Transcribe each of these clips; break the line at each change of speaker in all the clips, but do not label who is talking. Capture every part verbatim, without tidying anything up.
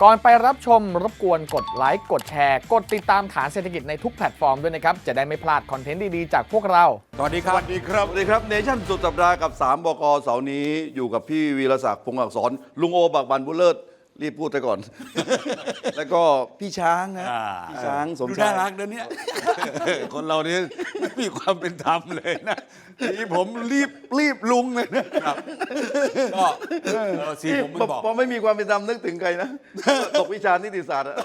ก่อนไปรับชมรบกวนกดไลค์กดแชร์กดติดตามฐานเศรษฐกิจในทุกแพลตฟอร์มด้วยนะครับจะได้ไม่พลาดคอนเทนต์ดีๆจากพวกเรา
สวัสดีครับ
สวัสดีครับสวัสดีครับเนชั่นสุดสัปดาห์กับสามบกเสาร์นี้อยู่กับพี่วีรศักดิ์พงศ์อักษรลุงโอบักบันบุญเลิศรีบพูดไปก่อน แล้วก็พี่ช้างนะ
อ่า
พี่ช้างสม
ดู
ชา
น่าย รักเดี๋ยวนี้ คนเราเนี่ยไม่มีความเป็นธรรมเลยนะนี่ผมรีบรีบลุงเลยนะครับก็เออสีผมมันบอก
พอไม่มีความเป็นธรรมนึกถึงใครนะ ตกวิชานิติศาสตร์อะ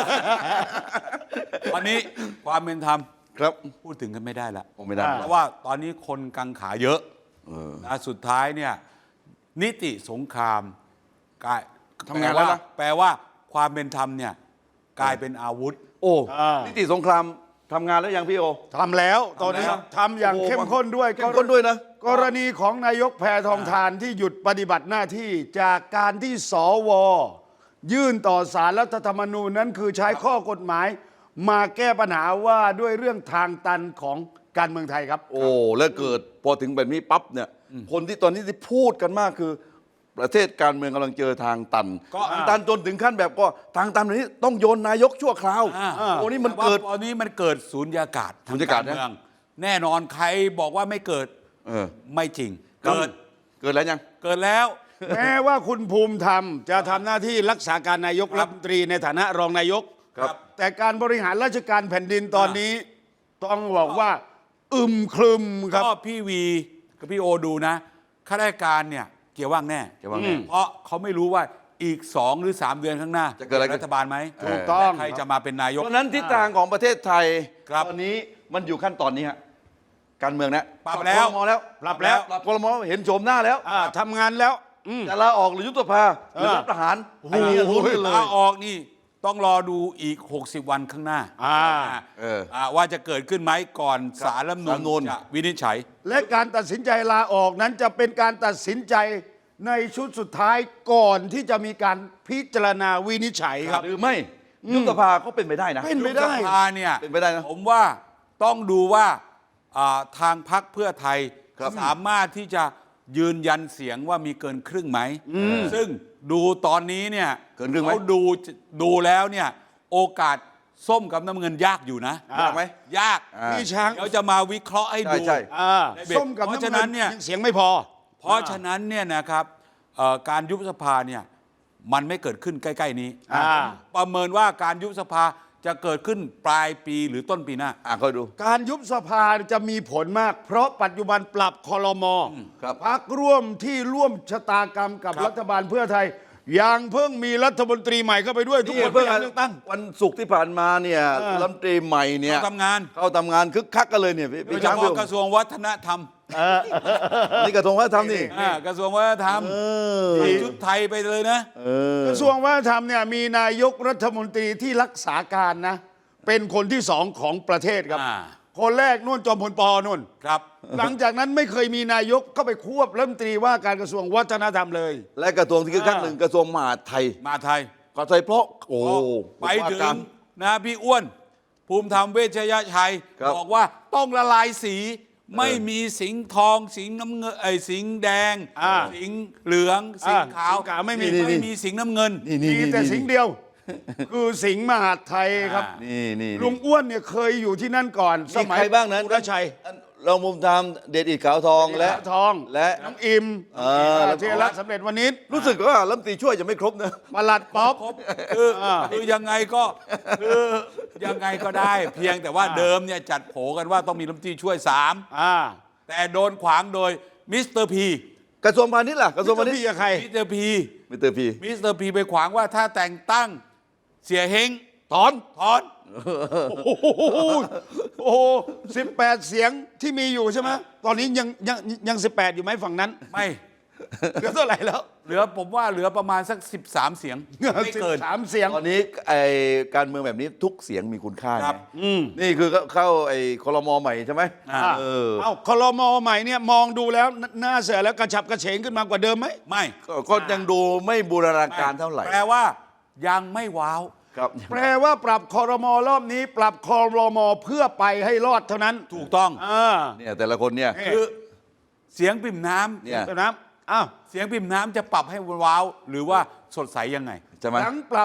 วันนี้ความเป็นธรรม
ครับ
พูดถึงกันไม่ได้ละ
ผมไม่ได้
เพราะว่าตอนนี้คนกังขาเยอะนะสุดท้ายเนี่ยนิติสงครามกลาย
ทำงานแล้วนะ
แปลว่าความเป็นธรรมเนี่ยกลายเป็นอาวุธ
โอ้
อ่านิ
นิติสงครามทำงานแล้วยังพี่โอ
ทำแล้วตอนนี้
ทำแล้ว
ทำอย่างเข้มข้นด้วย
เข้มข้นด้วยนะ
กรณีของนายกแพทองธารที่หยุดปฏิบัติหน้าที่จากการที่สวยื่นต่อศาลรัฐธรรมนูญนั้นคือใช้ข้อกฎหมาย มาแก้ปัญหาว่าด้วยเรื่องทางตันของการเมืองไทยครับ
โอ้แล้วเกิดพอถึงแบบนี้ปั๊บเนี่ยคนที่ตอนนี้ที่พูดกันมากคือ ประเทศการเมืองกำลังเจอทางตัน
ก็
ทางตันจนถึงขั้นแบบก็ทางตันแบบนี้ต้องโยนนายกชั่วคราว
อ่า
โอ้นี่มัน
แต่ว่า
เกิด
ตอนนี้มันเกิดศูนยากาศทาง
สุญญากาศนะ
เมือง แน่นอนใครบอกว่าไม่เกิด
เออ
ไม่จริง เกิด
เกิดแล้วยัง
เกิดแล้ว
แม้ว่าคุณภูมิธรรมจะทำหน้าที่รักษาการนายก
ครั
รับ ฐมนตรีในฐานะรองนายก
ครับ
แต่การบริหารราชการแผ่นดินตอนนี้ ต้องบอกว่า อึมครึมครับ
ก็พี่วีกับพี่โอดูนะข้าราชการเนี่ยเกี่ยวว่างแน่
เกี่ยวว่างแน่
เพราะเขาไม่รู้ว่าอีกสองหรือสามเดือนข้างหน้า
จะเกิดอะไรขึ้น
รัฐบาลไหม
ถูกต้อง
และใครจะมาเป็นนายก
เพราะฉะนั้นทิศทางของประเทศไทย
ครับ
ตอนนี้มันอยู่ขั้นตอนนี้ฮะการเมืองนะ
ปรับแล้ว
ครมแล้ว
ปรับแล้ว
ปรับครมเห็นโฉมหน้าแล้ว
อ่าทำงานแล้วอืม
จะลาออกหรือยุบสภาหรือรัฐประหาร
โอ้โห
ไอ้นี่ลุ้นกันเลย
ลาออกนี่ต้องรอดูอีก หกสิบ วันข้างหน้า
อ่า
เออ
อ่าว่าจะเกิดขึ้นไหมก่อนศาลรัฐธรรม
ศาลรัฐธรรมนู
นู
ญ
ญจะวินิจฉัย
และการตัดสินใจลาออกนั้นจะเป็นการตัดสินใจในชุดสุดท้ายก่อนที่จะมีการพิจารณาวินิจฉัยครับ
หรือไม่ยุบสภาก็เป็นไปได้นะ
เป็นไปได้
ยุบสภาเนี่ย
เป็นไปได้นะ
ผมว่าต้องดูว่าอ่าทางพรรคเพื่อไทย
ครับ
สามารถที่จะยืนยันเสียงว่ามีเกินครึ่งไหม ซึ่งดูตอนนี้เนี่ย
เกินครึ่งไหม
เขาดูดูแล้วเนี่ยโอกาสส้มกับน้ำเงินยากอยู่นะ
ยากไหม
ยาก
อ่า
พี่ช้าง
เดี๋ยวจะมาวิเคราะห์ให้ดู
ใช่
อ่า
ในเบรก
ส้มกับ
เพราะ
น้ำ
ฉะ
เงิ
นั้น
น
เนี่ย
ยังเสียงไม่พอ
เพราะฉะนั้นเนี่ยนะครับเอ่อการยุบสภาเนี่ยมันไม่เกิดขึ้นใกล้ ๆ นี้
อ่า
ประเมินว่าการยุบสภาจะเกิดขึ้นปลายปีหรือต้นปีหน้า
อ่ะคอยดู
การยุบสภาจะมีผลมาก เพราะปัจจุบันปรับคอรมอ
ครับ
พักร่วมที่ร่วมชะตากรรมกับ
ครับ
รัฐบาลเพื่อไทยยังเพิ่งมีรัฐมนตรีใหม่เข้าไปด้วย ทุก
นี่
คน
เพิ่ง
ไม่อยากเลือกตั้ง
วันศุกร์ที่ผ่านมาเนี่ย
เออ
รัฐมนตรีใหม่เนี่ย
เขาทำงาน
เข้าทำงานคึกคักกันเลยเนี่ยพี่
โดย
พี่
เฉ
ช้าง
พาะกระทรวงวัฒนธรรม
นี่กระทรวงวัฒนธรรมนี่
อ่ากระทรวงวัฒนธรรม
เออ
ใส่ชุดไทยไปเลยนะ
เออก
ระทรวงวัฒนธรรมเนี่ยมีนายกรัฐมนตรีที่รักษาการนะ เป็นคนที่สองของประเทศครับ
อ่า
คนแรกนู่นจอมพลปอนู่น
ครับ
หลังจากนั้นไม่เคยมีนายกเข้าไปควบรัฐมนตรีว่าการกระทรวงวัฒนธรรมเลย
และกระทรวงที่คึกคักหนึ่งกระทรวงมหาดไทย
มาไทย
ก็ไทยเพราะโอ้
ไปถึง
ว่าการ
นะพี่อ้วน ภูมิธรรมเวชยชัย
ครับ
บอกว่าต้องละลายสี ไม่มีสิงห์ทอง สิงห์น้ำเงินไอ้ยสิงห์แดง
อ่า
สิงห์เหลือง สิงห์ขาว
สิงห์ขาวไม่มี
ไม่มีสิงห์น้ำเงิน
นี่นี่
มี
นี่
แต่สิ่งเดียว คือสิงห์มหาดไทยครับ
อ่า
นี่นี่
ลุงอ้วนเนี่ยเคยอยู่ที่นั่นก่อน ส
มี
มัย
ใครบ้างนะ
สุรชัย
เรามุมทำเดชอิดขาวทองและ
ทอง
และ
น้องอิม
เออแล้ว
เทรัตน์สำเร็จวณิช
รู้สึกว่ารัฐมนตรีช่วยจะไม่ครบนะ
ประหลัดป๊อป
ครบคือคือยังไงก็คือยังไงก็ได้ เพียงแต่ว่าเดิมเนี่ยจัดโผกันว่าต้องมีรัฐมนตรีช่วยสาม
อ่า
แต่โดนขวางโดยมิสเตอร์พี
กระทรวงพาณิชย์ล่ะกระทรวงพาณิช
พี่
ย์
กับใคร
มิสเตอร์พี
มิสเตอร์พี
มิสเตอร์พีไปขวางว่าถ้าแต่งตั้งเสียเฮง
ถอน
ถอน
โอ้โหโอ้โหสิบแปดเสียงที่มีอยู่ใช่ไหมตอนนี้ยังยังยังสิบแปดอยู่ไหมฝั่งนั้น
ไม่
เหลือเท่าไหร่แล้ว
เหลือผมว่าเหลือประมาณสักสิบสามเสียง ไม่เกิน
สามเสียง
ตอนนี้ไอการเมืองแบบนี้ทุกเสียงมีคุณค่า
ครับ
ไงนี่คือเข้าไอคอรมอใหม่ใช่ไหม
อ่า
เออ
เอ้าคลมใหม่เนี่ยมองดูแล้วหน้าเสือแล้วกระฉับกระเฉงขึ้นมากว่าเดิมไหม
ไม่
ก็ก็ยังดูไม่บูรณาการเท่าไหร่
แปลว่ายังไม่ว้าว
ครับ
แปลว่าปรับคอรมอรอบนี้ ปรับคอรมอเพื่อไปให้รอดเท่านั้น
ถูกต้อง
อ่า
เนี่ยแต่ละคนเนี่ย
คือเสียงปิ่มน้ำ
เนี่ย
เดี๋ยวนะอ้าว
เสียงปิ่มน้ำจะปรับให้ว้าว หรือว่าสดใสยังไง
ใช่ไหม
หลังปรับ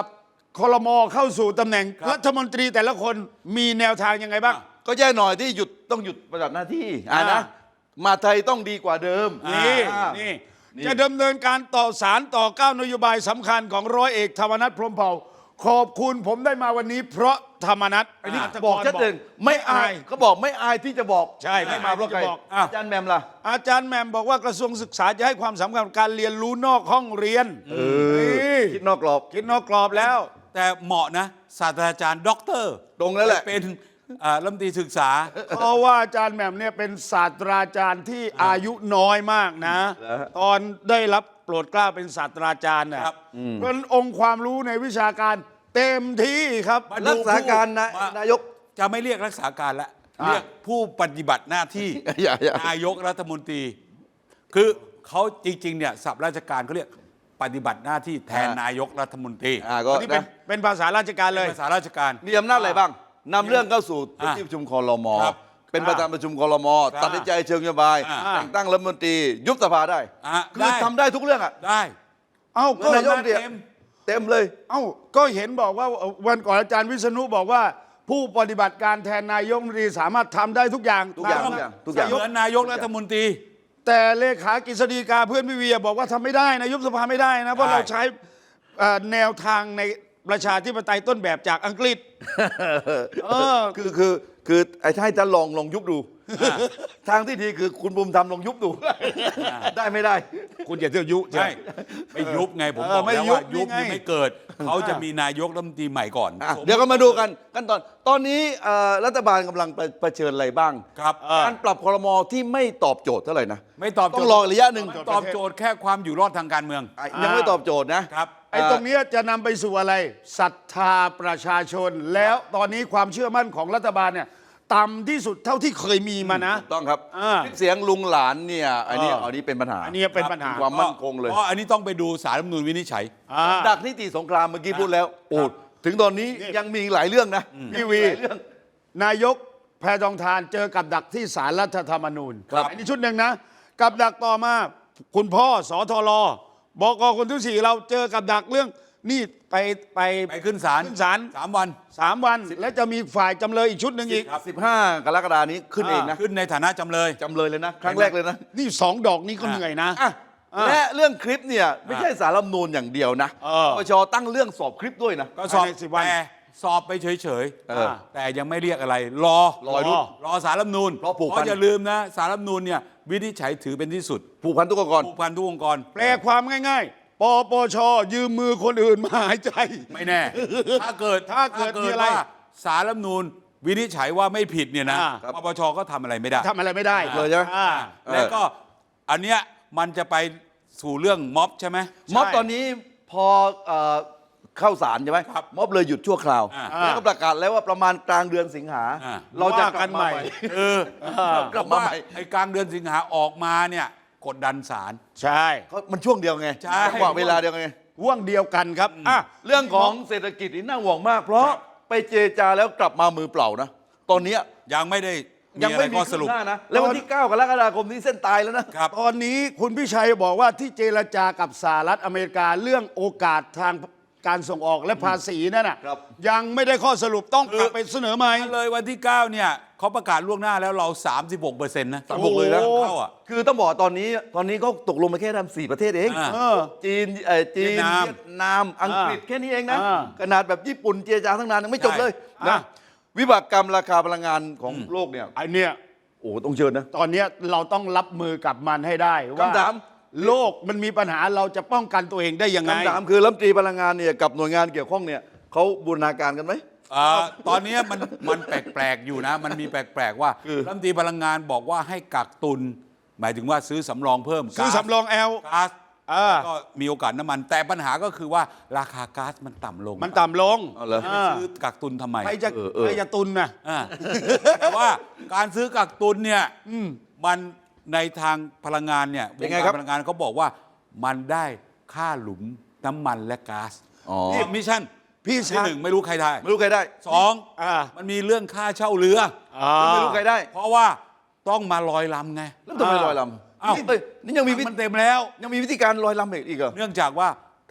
ครม.เข้าสู่ตำแหน่งรัฐมนตรีแต่ละคนมีแนวทางยังไงบ้าง
ก็แย่หน่อยที่หยุดต้องหยุดปฏิบัติหน้าที่อ่า
อ่า
นะมาไทยต้องดีกว่าเดิม
นี่
อ่า
นี่
นี่
จะดำเนินการต่อสารต่อเก้านโยบายสำคัญของร้อยเอกธรรมนัฐพรหมเผ่าขอบคุณผมได้มาวันนี้เพราะธรรมนัฐ
อันนี้
า
บอกชัดเจนไม่อายเขาบอกไม่อายที่จะบอก
ใช่ไม่
ไม่มาเพราะใคร
ที่จะบอก
อาจารย์แหมมล่ะ
อาจารย์แหม่มบอกว่ากระทรวงศึกษาจะให้ความสำคัญกับการเรียนรู้นอกห้องเรียน
เออคิดนอกกรอบ
คิดนอกกรอบแล้ว
แต่เหมาะนะศาสตราจารย์ด็อกเตอร์
ตรงแล้วแหละ
เป็นอ่ารัฐมนตรีศึกษา
เพราะว่าอาจารย์แหม่มเนี่ยเป็นศาสตราจารย์ที่อายุน้อยมากนะ ตอนได้รับโปรดเกล้าเป็นศาสตราจารย์เนี่ย
ครับ
เพราะฉะนั้นองค์ความรู้ในวิชาการเต็มที่ครับ
มาดู
รักษาการนะ
ผู้
นายก
จะไม่เรียกรักษาการละ
อ่า
เรียกผู้ปฏิบัติหน้าที่
อย่าอย่าน
ายกรัฐมนตรี คือเขาจริงๆเนี่ยศัพท์ราชการเขาเรียกปฏิบัติหน้าที่แทนนายกรัฐมนตรี
อ่าก็
อันนี้เป็น
นะ
เป็นภาษาราชการเลย
ภาษาราชการ
มีอำนาจอะไรบ้างนำเรื่องเข้าสู่
อ่า
ที่ประชุมครม
ครับ
เป็นประธานประชุมครม
ครับ
ตัดสินใจเชิงนโยบาย
อ่า
แต่งตั้งรัฐมนตรียุบสภาได้
อ่า
คือ
ได้
ทำได้ทุกเรื่องอ่ะ
ได้
เอ้าก็
นายกเนี่ย
เต็ม
เต็มเลย
เอ้าก็เห็นบอกว่าวันก่อนอาจารย์วิษณุบอกว่า ผู้ปฏิบัติการแทนนายกรัฐมนตรีสามารถทำได้ทุกอย่าง
ทุกอย่าง
ตม
ทุกอย่างทุกอย่าง
เหมือนนายกรัฐมนตรี
แต่เลขากฤษฎีกาเพื่อนพี่เวียบอกว่าทำไม่ได้นะยุบสภาไม่ได้นะเพราะ
ใช่
เราใช้เอ่อแนวทางในประชาธิปไตยต้นแบบจากอังกฤษ เออ
คือคือคือไอ้ให้ท่านลองลองยุบดู ทางที่ดีคือคุณบุมทำลองยุบดู ได้ไม่ได้
คุณอย่าเที่ยวยุ
ใช่ไม่ยุบไงผม
เอ
บอก
อไม่
แล้ว
ยุบ
ว่ายุบ
นี่ไง
นี่ไม่เกิด เขาจะมีนายกรัฐมนตรีใหม่ก่อน
อ่ะ
สม
เดี๋ยวก็มาดูกันขั้นตอน ตอนนี้เอ่อรัฐบาลกำลังเผเผชิญอะไรบ้าง
ครับ
การปรับครมที่ไม่ตอบโจทย์เท่าไหร่นะ
ไม่ตอบโจทย์
ต้องรอระยะหนึ่ง
ตอบโจทย์แค่ความอยู่รอดทางการเมือง
อ่ะยังไม่ตอบโจทย์นะครับ
ไอ้ตรงเนี้ยจะนำไปสู่อะไรศรัทธาประชาชน แล้วตอนนี้ความเชื่อมั่นของรัฐบาลเนี่ยต่ำที่สุดเท่าที่เคยมีมานะ
ถูกต้องครับ
อ่า
คลิปเสียงลุงหลานเนี่ยอันนี้
เอออั
อันนี้เป็นปัญหา
อันนี้เป็นปัญหา
ความมั่นคงเลย
เพราะอันนี้ต้องไปดูสารรัฐธรรมนูญวินิจฉัย
อ่า
ดักนิติสงครามเมื่อกี้พูดแล้วโอ้ถึงตอนนี้
นี่
ยังมีอีกหลายเรื่องนะ
พี่วี
หลายเรื่อง
นายกแพทองทานเจอกับดักที่ศาลรัฐธรรมนูญ
ครับ
อันนี้ชุดหนึ่งนะ กับดักต่อมา คุณพ่อสอทรบกคนที่สี่เราเจอกับดักเรื่องนี่ไปไป
ไปขึ้นศาล
ขึ้นศาล
สามวัน
สามวัน และจะมีฝ่ายจำเลยอีกชุดหนึ่งอีก
สิบห้ากรกฎานี้ขึ้นเองนะ
ขึ้นในฐานะจำเลย
จำเลยเลยนะ ครั้งแรกเลยนะ
นี่สองดอกนี้ก็เหนื่อยนะ
อ่ะ
อ่ะ
และเรื่องคลิปเนี่ยไม่ใช่สารรัฐธรรมนูญอย่างเดียวนะ
เออ
ปปชตั้งเรื่องสอบคลิปด้วยนะ
ก็สอบ
ภายในสิบวัน
แต่สอบไปเฉย
เออ
ๆแต่ยังไม่เรียกอะไร รอ
รอรุ่น
รอสารรัฐธรรมนูญ
เพราะผูกพัน
อย่าลืมนะสารรัฐธรรมนูญเนี่ยวินิจฉัยถือเป็นที่สุด
ผูกพันทุกองค์กร
ผูกพันทุกองค์กร
แปลความง่ายๆ ปปช ยืมมือคนอื่นมาหายใจ
ไม่แน่ ถ้าเกิด
ถ้าเกิดมีอะไร
ว่าสารรัฐธรรมนูญวินิจฉัยว่าไม่ผิดเนี่ยนะ
อ่า
ปปชก็ทำอะไรไม่ได้
ทำอะไรไม่ได้
เลยใช่ไหม
อ่า
แล้วก็อันเนี้ยมันจะไปสู่เรื่องม็อบใช่ไหม
ม็อบตอนนี้พอเอ่อเข้าศาลใช่ไหม
ครับ
ม็อบเลยหยุดชั่วคราว
อ่า
แล้วก็ประกาศแล้วว่าประมาณกลางเดือนสิงหา
อ่า
เราจะ
ว่ากันใหม่
เออ
กลับมาใหม่
ไอ้กลางเดือนสิงหาออกมาเนี่ยกดดันศาล
ใช่
เขามันช่วงเดียวไง
ใช่
จังหวะเวลาเดียวไง
ห่วงเดียวกันครับอ่ะ
เรื่องของเศรษฐกิจนี่น่าห่วงมาก เพราะไปเจรจาแล้วกลับมามือเปล่านะ ตอนเนี้ย
ยังไม่ได้มี
ยัง
อะไร
ไม่มี
ข้อส
ขึ้
รุป
นหน้านะ แล้ววันที่เก้ากรกฎาคมนี้เส้นตายแล้วนะ
ครับ
ตอนนี้คุณพิชัยบอกว่าที่เจรจากับสหรัฐอเมริกาเรื่องโอกาสทางการส่งออกและภาษีนั่นน่ะ
ครับ
ยังไม่ได้ข้อสรุปต้องกลับไปเสนอใหม่
เลยวันที่เก้าเนี่ยเขาประกาศล่วงหน้าแล้วเรา สามสิบหกเปอร์เซ็นต์ นะ
สามสิบหกเลยนะ
เข้าอ่ะ
คือต้องบอกตอนนี้ตอนนี้เขาตกลงมาแค่ทำสี่ประเทศเอง
อ่า
เออ
จีนเอ่อจีน
เวียดนาม
เวียดนามอังกฤษแค่นี้เองนะ
อ่า
ขนาดแบบญี่ปุ่นเจรจาทั้งนานยังไม่จบเลย
ใช่
นะ
อ่ะ
วิบากกรรมราคาพลังงานของโลกเนี่ย
ไอเนี้ย
โอ้ต้องเชิญนะ
ตอนเนี้ยเราต้องรับมือกับมันให้ได้ว่า
คำถาม
โลกมันมีปัญหาเราจะป้องกันตัวเองได้ยังไง
คำถามคือรัฐมนตรีพลังงานเนี่ยกับหน่วยงานเกี่ยวข้องเนี่ยเขาบูรณาการกันไหม
อ่าตอนนี้มันมันแปลกๆอยู่นะ มันมีแปลกๆว่า
คือ
รัฐมนตรีพลังงานบอกว่าให้กักตุน หมายถึงว่าซื้อสำรองเพิ่ม
ซื้อ
ก๊าซ
สำรองแอล
ก๊าซ
อ่า
ก็มีโอกาสน้ำมัน แต่ปัญหาก็คือว่าราคาก๊าซมันต่ำลง
มันต่ำลง
เอาเหรอ
ไปซื้อกักตุนทำไม
ใครจะ
เออเออ
ใครจะตุนนะ
อ่าแต่ว่าการซื้อกักตุนเนี่ยมันในทางพลังงานเนี่ยว
เป็น
ง
ไง
กา
ครั
ร
บ
พลังงานเขาบอกว่ามันได้ค่าหลุมน้ำมันและก๊าซ
อ๋อ
นี่มิชชั่น
พี่
ที่
ชาย
หนึ่งไม่รู้ใครได้
ไม่รู้ใครได้
สอง
อ่า
มันมีเรื่องค่าเช่าเรือ
อ่า
ไม่รู้ใครได้
เพราะว่าต้องมาลอยลำไง
แล้วทำไมลอยลำ
อ้าว
นี่เอ้ยนี่ยังมีวิ
มันเต็มแล้ว
ยังมีวิธีการลอยลำอีกเหรอ
เนื่องจากว่า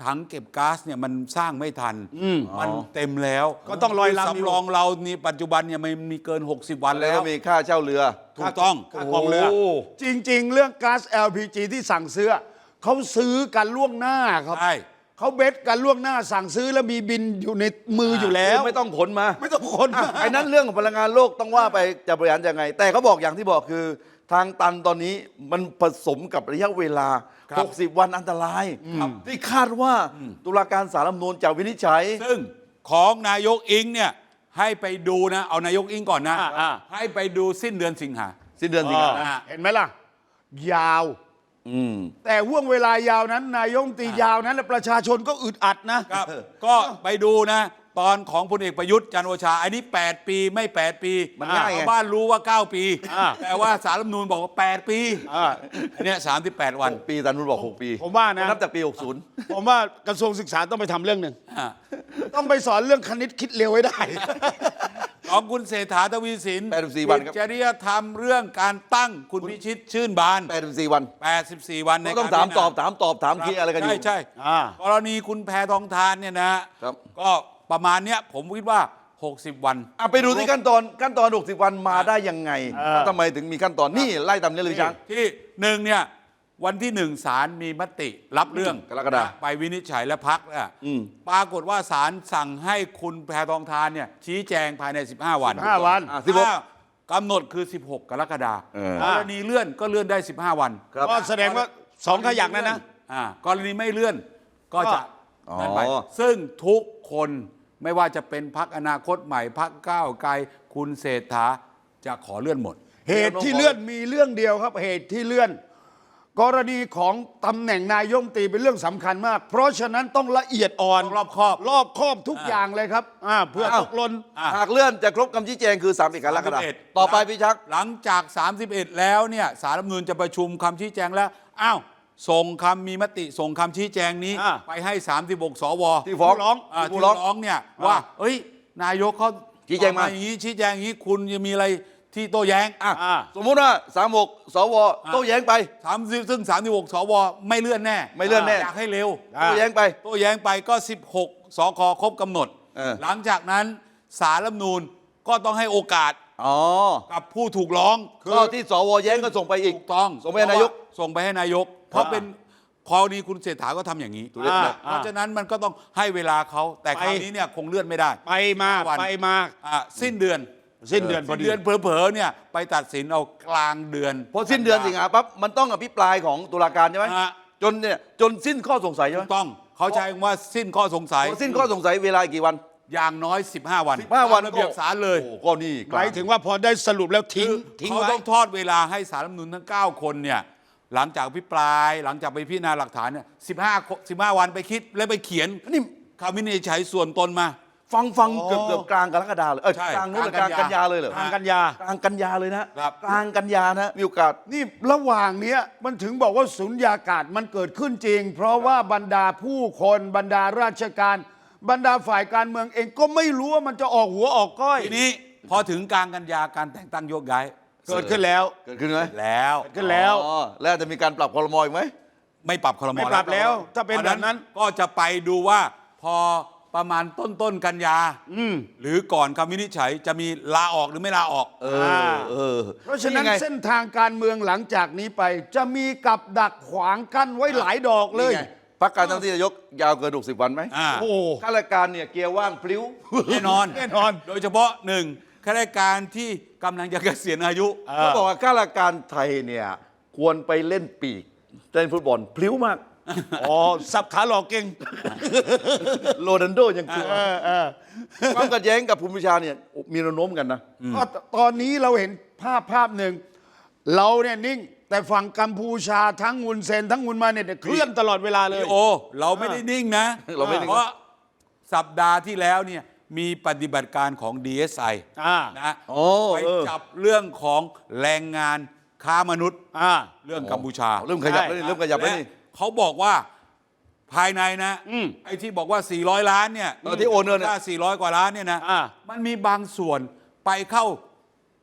ถังเก็บก๊าซเนี่ยมันสร้างไม่ทันมันเต็มแล้ว
ก็ต้องลอยลำอยู่
สำรองเรานี่ปัจจุบันเนี่ยมันมีเกิน หกสิบ วัน
แล้ว
แล้ว
ก็มีค่าเช่าเรือ
ถูกต้อง
ค่ากองเรือ
โอ้
จริง ๆ เรื่องก๊าซ แอล พี จี ที่สั่งซื้อเขาซื้อกันล่วงหน้าครับ
ใช่
เขาเบสกันล่วงหน้าสั่งซื้อแล้วมีบินอยู่ในมืออยู่แล้ว
ไม่ต้องขนมา
ไม่ต้องคน
อ่ะไอ้นั้นเรื่องของพลังงานโลกต้องว่าไปจะบริหารยังไง แต่เขาบอกอย่างที่บอกคือทางตันตอนนี้มันผสมกับระยะเวลา
ครับ
หกสิบ วันอันตรายที่คาดว่าตุลาการศาลรัฐธรรมนูญจะวินิจฉัย
ซึ่งของนายกอิงเนี่ยให้ไปดูนะ เอานายกอิงก่อนนะ
อ่าอ่า
ให้ไปดูสิ้นเดือนสิงหา
สิ้นเดือนสิงหา
อ่า
เห็นไหมล่ะ ยาว
อืม
แต่ห่วงเวลายาวนั้น นายกรัฐมนตรียาวนั้นแล้วประชาชนก็อึดอัดนะ
ครับ ก็ไปดูนะ ตอนของพลเอกประยุทธ์จันทร์โอชา อันนี้ แปด ปีไม่ แปด ปี
มันง่ายไง
ชาวบ้านรู้ว่า เก้า ปี
อ่า
แต่ว่าสารรัฐธรรมนูญบอกว่า แปด ปี
อ่า
อันเนี้ยสามสิบแปด วัน
หกปีตันนุนบอกหกปี
ผมว่านะ
นับจากปีหกสิบ
ผมว่ากระทรวงศึกษาต้องไปทำเรื่องหนึ่ง
อ่า
ต้องไปสอนเรื่องคณิตคิดเร็วให้ได้
ของคุณเศรษฐาทวีสิน
แปดสิบสี่วันครับ
จริยธรรมเรื่องการตั้งคุณพิชิตชื่นบาน
แปดสิบสี่วัน
แปดสิบสี่ วันใน
ก็ต้อง
กร
ถาม
พิจรณ
ตอบถามตอบถามเคลียร์อะไรกันอยู่
ใช่ใช่
อ่าก
รณีคุณแพทองทานเนี่ยนะครับ ก็ประมาณเนี้ยผมคิดว่า หกสิบ วัน
อ่ะไปดูที่ขั้นตอนขั้นตอนหกสิบวันมาได้ยังไงแล้วทำไมถึงมีขั้นตอนนี่ไล่ตามนี้เลยช้าง
ที่หนึ่งเนี่ยวันที่หนึ่งศาลมีมติรับเรื่อง
กรกฎาคม
ไปวินิจฉัยและพักอ่ะ
อืม
ปรากฏว่าศาลสั่งให้คุณแพทองทานเนี่ยชี้แจงภายใน สิบห้า วัน
ห้าวัน
อ่ะสิบหก
ถ้ากำหนดคือ สิบหก กรกฎาคม
เออ
กรณีเลื่อนก็เลื่อนได้ สิบห้า วัน
ครับ
ก็แสดงว่าสองขยักนั่นนะ
อ่ากรณีไม่เลื่อนก็จะ
อ๋อ
นั่นไปซึ่งทุกคนไม่ว่าจะเป็นพักอนาคตใหม่พักก้าวไกลคุณเศรษฐาจะขอเลื่อนหมด
เหตุที่เลื่อนมีเรื่องเดียวครับ เหตุที่เลื่อน กรณีของตำแหน่งนายกรัฐมนตรีเป็นเรื่องสำคัญมาก เพราะฉะนั้นต้องละเอียดอ่อน
ต้องรอบคอบ
รอบคอบทุกอย่างเลยครับอ่าเพื่อ
อ้าว
ตกหล่น
อ่ะ
หากเลื่อนจะครบคำชี้แจงคือสามสิบกรกฎาคม
สามสิบเอ็ด
ต่อไปพี่ชัก
หลังจาก สามสิบเอ็ด แล้วเนี่ยสารรัฐธรรมนูญจะประชุมคำชี้แจงแล้วอ้าวส่งคำมีมติส่งคำชี้แจงนี้
อ่า
ไปให้ สามสิบหก สว
ที่ฟ้อง
ร้อง
อ่า
ผู้
ที่
ร้อง
ร้องเนี่ยว่าเอ้ยนายกเขา
ชี้แจงมา
อย่างนี้ชี้แจงอย่างนี้คุณจะมีอะไรที่โต้แย้ง
อ่ะ
อ่า
สมมุติว่าสามหกสวโต้แย้งไป
สามสิบซึ่ง สามสิบหก สว ไม่เลื่อนแน่
ไม่เลื่อนแน่
อยากให้เร็ว
โต้แย้งไป
โต้แย้งไปก็ สิบหก สคครบกำหนด
เออ
หลังจากนั้นสารรัฐธรรมนูญก็ต้องให้โอกาส
อ๋อ
กับผู้ถูกร้อง
ก็ที่สวแย้งก็ส่งไปอีก
ถูกต้อง
ส่งไปให้นายก
ส่งไปให้นายก เพราะเป็นกรณีคุณเศรษฐาก็ทำอย่างนี้
ถูกต้อง
เพราะฉะนั้นมันก็ต้องให้เวลาเขาแต่คราวนี้เนี่ยคงเลื่อนไม่ได้
ไปมา
วัน
ไปมา
อ่ะสิ้นเดือน
สิ้นเดือนพอ
สิ้น
ดี
เดือนเผลอๆเนี่ยไปตัดสินเอากลางเดือน
พอสิ้นเดือนสิงหาปั๊บมันต้องอภิปรายของตุลาการใช่ไหม
ฮะ
จนเนี่ยจนสิ้นข้อสงสัยใช่ไห
ถู
ม
กต้องเขาใช้คำว่าสิ้นข้อสงสัย
พอสิ้นข้อสงสัยเวลาอีกกี่วัน
อย่างน้อย สิบห้า วัน
สิบห้าวัน
ตมระเบียบศาลเลย
โอ้ก็นี่ก
ห
ลาม
ายถึงว่าพอได้สรุปแล้วทิ้ง
คือ
ทิ้ง
เขา
ไว้
ต้องทอดเวลาให้สารรัฐธรรมนูญทั้ง เก้า คนเนี่ยหลังจากอภิปรายหลังจากไปพิจารณาหลักฐานเนี่ยสิบห้า สิบห้า วันไปคิดแล้วไปเขียน
นี่
คำวินิจฉัยส่วนตนมา
ฟังฟัง
อ๋อ
เกือบเกือบกลางกรกฎาเลยเออ
ใช่
กลางนู้นเลย
ก
ก
ลา
ลาง ง
กั
กัน น
ยา
ยาเลยเหรอ
ทางกันยา
กลางกันยาเลยนะครับ กลางกันยานะมีโอกาส
นี่ระหว่างเนี้ยมันถึงบอกว่าสุญญากาศมันเกิดขึ้นจริง เพราะว่าบรรดาผู้คนบรรดาราชการ บรรดาฝ่ายการเมืองเองก็ไม่รู้ว่ามันจะออกหัวออกก้อย
ทีนี้พอถึงกลางกันยาการแต่งตั้งโยกย้าย
เกิดขึ้นแล้ว
เกิดขึ้นไหม
แล้ว
เกิดขึ้นแล้ว
อ๋อแล้วจะมีการปรับคอรมออีกไหม
ไม่ปรับครม
ไม่ปรับแล้วถ้าเป็นแบบนั้น
ก็จะไปดูว่าพอประมาณต้นต้นๆกันยาหรือก่อนคำวินิจฉัยจะมีลาออกหรือไม่ลาออก
เออเออ
เพราะฉะนั้น
ไง
เส้นทางการเมืองหลังจากนี้ไป จะมีกับดักขวางกั้นไว้หลายดอกเลย
นี่ไงพักการตั้งที่นายกยาวเกินหกสิบวันไหม
อ่า
โอ้
ข้าราชการเนี่ยเกียร์ว่างพลิ้ว
แน่นอน
แน่นอน
โดยเฉพาะหนึ่งข้าราชการที่กำลังจะเกษียณอายุ
เขาบอกว่าข้าราชการไทยเนี่ยควรไปเล่นปีกเล่นฟุตบอลพลิ้วมาก
อ๋อสับขาหลอกเก่ง
โรนัลโดยังกลัว
เออเออ
ความขัดแย้งกับภูมิประชาเนี่ยมีแนวโน้มกันนะ
ก็ตอนนี้เราเห็นภาพภาพหนึ่ง เราเนี่ยนิ่ง แต่ฝั่งกัมพูชาทั้งงุนเซนทั้งงุนมาเนี่ยเคลื่อนตลอดเวลาเลย
โอเราไม่ได้นิ่งนะ
เราไม่นิ่ง
เพราะสัปดาห์ที่แล้วเนี่ยมีปฏิบัติการของ ดี เอส ไอ
อ่า
นะ
โอ้
ไป
เออ
จับเรื่องของแรงงานค้ามนุษย์
อ่า
เรื่องกัมพูชา
เริ่มขยับแล้วนี่เริ่มขยับแล้วนี่
และเขาบอกว่าภายในนะ
อืม
ไอ้ที่บอกว่า สี่ร้อย ล้านเนี่ย
เออที่โอนเงินเนี่ย
ค่าสี่ร้อย กว่าล้านเนี่ยนะ
อ่า
มันมีบางส่วนไปเข้า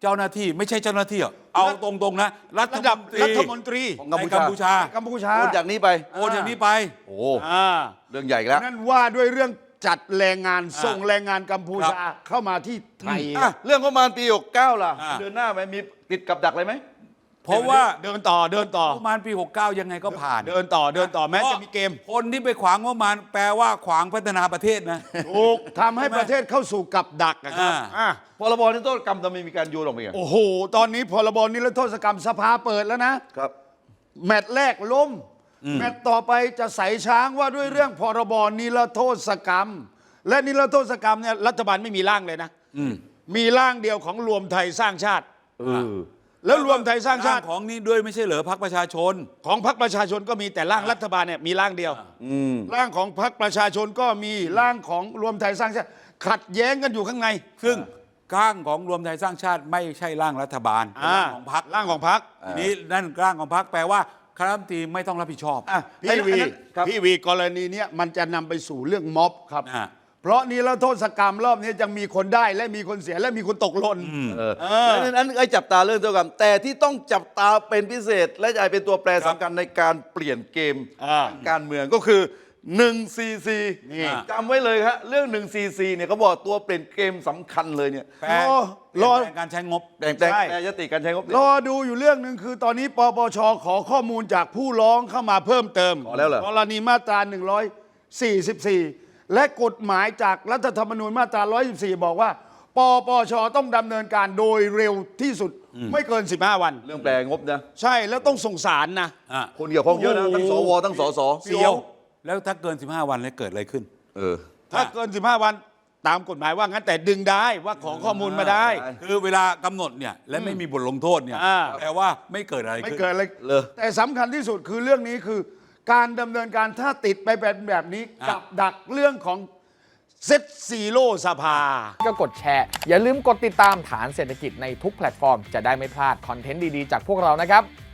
เจ้าหน้าที่ไม่ใช่เจ้าหน้าที่หรอกเอาตรงๆนะรัฐ
ระ
ม
ดับ
นตรี
รัฐมนตรี
ของ
ในกัมพูชา
กัมพูชา
โอนจากนี้ไป
โอนอย่างนี้ไป
โอ้
อ่า
เรื่องใหญ่อีกแล้ว
นั่นว่าด้วยเรื่องจัดแรงงาน
อ่า
ส่งแรงงานกัมพูชา
ครับ
เข้ามาที่ไทย
อ่ะเรื่องงบประมาณปีหกเก้าล่ะ
อ่า
เดือนหน้าไหมมีติดกับดักอะไรไหม
เพราะว่า
เดินต่อเดินต่อ
ประมาณปีหกสิบเก้ายังไงก็ผ่าน
เดินต่อเดินต่อแม้จะมีเกม
คนที่ไปขวางงบประมาณแปลว่าขวางพัฒนาประเทศนะ
ถูกทำให้ประเทศเข้าสู่กับดักนะครับ
อ่า
อ่ะ
พรบนิรโทษกรรมทำไมมีการโยนออกไปอ่ะ
โอ้โห ตอนนี้พรบนิรโทษกรรมสภาเปิดแล้วนะ
ครับ
แมตช์แรกล้ม แมตช์ต่อไปจะใส่ช้างว่าด้วยเรื่องพรบนิรโทษกรรม และนิรโทษกรรมเนี่ยรัฐบาลไม่มีร่างเลยนะมีร่างเดียวของรวมไทยสร้างชาติ
เออ
แล้วรวมไทยสร้างชาติ
ของนี้ด้วยไม่ใช่เหรอพรรคประชาชน
ของพรรคประชาชนก็มีแต่ร่างรัฐบาลเนี่ยมีร่างเดียว
อืม
ร่างของพรรคประชาชนก็มีร่างของรวมไทยสร้างชาติ ขัดแย้งกันอยู่ข้างใน
ซึ่งร่างของรวมไทยสร้างชาติไม่ใช่ร่างรัฐบาลเป็น
อ่า
ร่างของพรรค
ร่างของพรรค
ทีนี้นั่นร่างของพรรคแปลว่าคณะรัฐมนตรีไม่ต้องรับผิดชอบ
อ่ะ
พี่วี
ไอ้นั่นครับ
พี่วีกรณีเนี้ยมันจะนำไปสู่เรื่องม็อบครับ
อ่า
เพราะนิรโทษกรรมรอบนี้จะมีคนได้และมีคนเสียและมีคนตกหล่น
เออ
เออ
แล้วนั้นไอ้จับตาเรื่องเท่ากันแต่ที่ต้องจับตาเป็นพิเศษ และจะเป็นตัวแปร
ครับ
สำคัญในการเปลี่ยนเกม
อ่า
การเมืองก็คือหนึ่งซีซี
นี่
จำไว้เลยครับเรื่องหนึ่งซีซีเนี่ยเขาบอกตัวเปลี่ยนเกมสำคัญเลยเนี่ย
แปล
รอรอ
เปลี่ยนแปลงการใช้งบ
แต่งแต่ง
ใช่
แปรยติการใช้งบ
รอดูอยู่เรื่องหนึ่งคือตอนนี้ปปชขอข้อมูลจากผู้ร้องเข้ามาเพิ่มเติม
ขอแล้วเหรอก
รณีมาตราหนึ่งร้อยสี่สิบสี่และกฎหมายจากรัฐธรรมนูญมาตราหนึ่งร้อยสิบสี่บอกว่าปปชต้องดำเนินการโดยเร็วที่สุดไม่เกินสิบห้าวัน
เรื่องแปลงบนะ
ใช่แล้วต้องส่งสารนะ
อ่ะ
คนเกี่ยวข้องเยอะนะทั้งสวทั้งสส
เสียว
แล้วถ้าเกินสิบห้าวันแล้วเกิดอะไรขึ้น
เออ
ถ้าเกินสิบห้าวันตามกฎหมายว่างั้นแต่ดึงได้ว่าขอข้อมูลมาได้
ได้
คือเวลากำหนดเนี่ยและไม่มีบทลงโทษเนี่ย
อ่า
แปลว่าไม่เกิดอะไร
ไม่
ขึ้น
เกินอะไร
เลย
แต่สำคัญที่สุดคือเรื่องนี้คือ การดำเนินการถ้าติดไปแบบแบบนี้
อ่ะ
กับดักเรื่องของเซ็ตซีโร่สภา
ก็กดแชร์ อย่าลืมกดติดตามฐานเศรษฐกิจในทุกแพลตฟอร์ม จะได้ไม่พลาดคอนเทนต์ดี ๆ จากพวกเรานะครับ